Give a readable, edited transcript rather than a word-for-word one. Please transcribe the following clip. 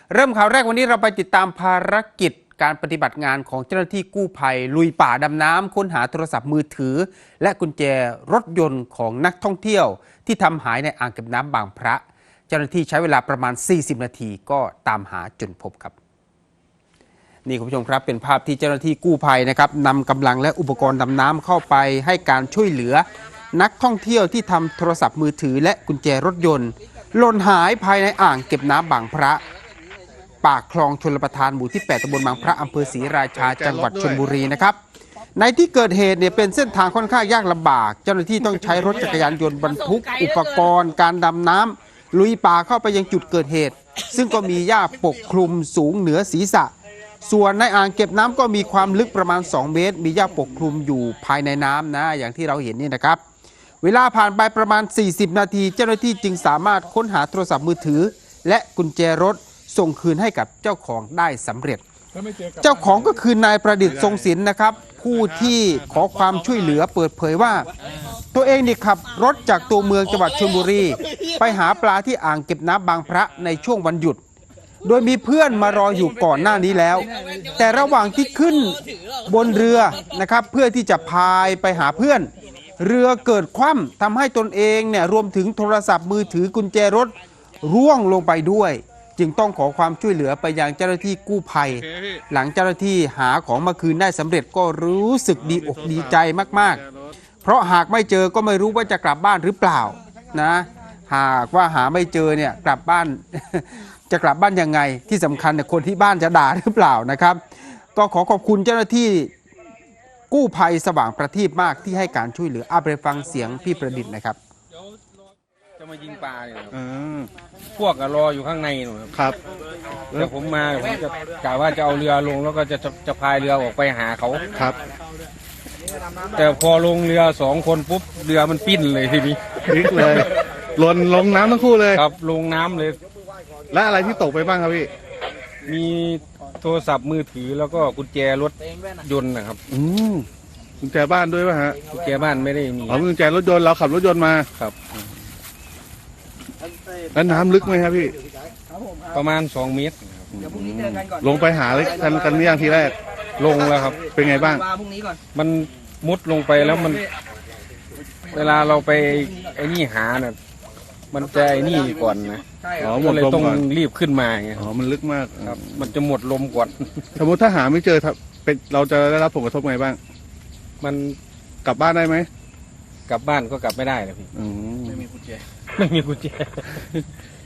เริ่มข่าวแรกวันนี้เราไปติดตามภารกิจการปฏิบัติงานของเจ้าหน้าที่กู้ภัยลุยป่าดำน้ำค้นหาโทรศัพท์มือถือและกุญแจรถยนต์ของนักท่องเที่ยวที่ทำหายในอ่างเก็บน้ำบางพระเจ้าหน้าที่ใช้เวลาประมาณ40นาทีก็ตามหาจนพบครับนี่คุณผู้ชมครับเป็นภาพที่เจ้าหน้าที่กู้ภัยนะครับนำกำลังและอุปกรณ์ดำน้ำเข้าไปให้การช่วยเหลือนักท่องเที่ยวที่ทำโทรศัพท์มือถือและกุญแจรถยนต์หล่นหายภายในอ่างเก็บน้ำบางพระปากคลองชลประทานหมู่ที่8ตำบลบางพระอำเภอศรีราชาจังหวัดชลบุรีนะครับในที่เกิดเหตุเนี่ยเป็นเส้นทางค่อนข้างยากลำบากเจ้าหน้าที่ต้องใช้รถจักรยานยนต์บรรทุกอุปกรณ์การดำน้ำลุยป่าเข้าไปยังจุดเกิดเหตุซึ่งก็มีหญ้าปกคลุมสูงเหนือศีรษะส่วนในอ่างเก็บน้ำก็มีความลึกประมาณ2เมตรมีหญ้าปกคลุมอยู่ภายในน้ำนะอย่างที่เราเห็นนี่นะครับเวลาผ่านไปประมาณ40นาทีเจ้าหน้าที่จึงสามารถค้นหาโทรศัพท์มือถือและกุญแจรถส่งคืนให้กับเจ้าของได้สำเร็จเจ้าของก็คือนายประดิษฐ์ทรงศิลป์นะครับผู้ที่ขอความช่วยเหลือเปิดเผยว่าตัวเองนี่ขับรถจากตัวเมืองจังหวัดชลบุรีไปหาปลาที่อ่างเก็บน้ำบางพระในช่วงวันหยุดโดยมีเพื่อนมารออยู่ก่อนหน้านี้แล้วแต่ระหว่างที่ขึ้นบนเรือนะครับเพื่อที่จะพายไปหาเพื่อนเรือเกิดคว่ำทำให้ตนเองเนี่ยรวมถึงโทรศัพท์มือถือกุญแจรถร่วงลงไปด้วยจึงต้องขอความช่วยเหลือไปยังเจ้าหน้าที่กู้ภัยหลังเจ้าหน้าที่หาของมาคืนได้สำเร็จก็รู้สึกดีอกดีใจมากๆเพราะหากไม่เจอก็ไม่รู้ว่าจะกลับบ้านหรือเปล่านะหากว่าหาไม่เจอเนี่ยกลับบ้าน จะกลับบ้านยังไงที่สำคัญเนี่ยคนที่บ้านจะด่าหรือเปล่านะครับก็ขอขอบคุณเจ้าหน้าที่กู้ภัยสว่างประทีปมากที่ให้การช่วยเหลือไปฟังเสียงพี่ประดิษฐ์นะครับจะมายิงปลาเนี่ยพวกรออยู่ข้างในหนูครับแต่ผมมาผมจะกะว่าจะเอาเรือลงแล้วก็จะพายเรือออกไปหาเขาครับแต่พอลงเรือ2คนปุ๊บเรือมันปิ้นเลยทีนี้พลิกเลยหล่นลงน้ำทั้งคู่เลยครับลงน้ำเลยและอะไรที่ตกไปบ้างครับพี่มีโทรศัพท์มือถือแล้วก็กุญแจรถยนต์นะครับกุญแจบ้านด้วยป่ะฮะกุญแจบ้านไม่ได้มีกุญแจรถยนต์เราขับรถยนต์มาครับแล้วน้ำลึกไหมครับพี่ประมาณ2 เมตรลงไปหาเลยกันนี่อย่างทีแรกลงแล้วครับเป็นไงบ้างมันมุดลงไปแล้วมันเวลาเราไปไอ้นี่หาเนี่ยมันจะไอ้นี่ก่อนนะหมดเลยลมต้องก่อนรีบขึ้นมาไงมันลึกมากครับมันจะหมดลมก่อนสมมติถ้าหาไม่เจอเป็นเราจะได้รับผลกระทบไงบ้างมันกลับบ้านได้ไหมกลับบ้านก็กลับไม่ได้เลยพี่ไม่มีกุญแจไม่มีกุญแจ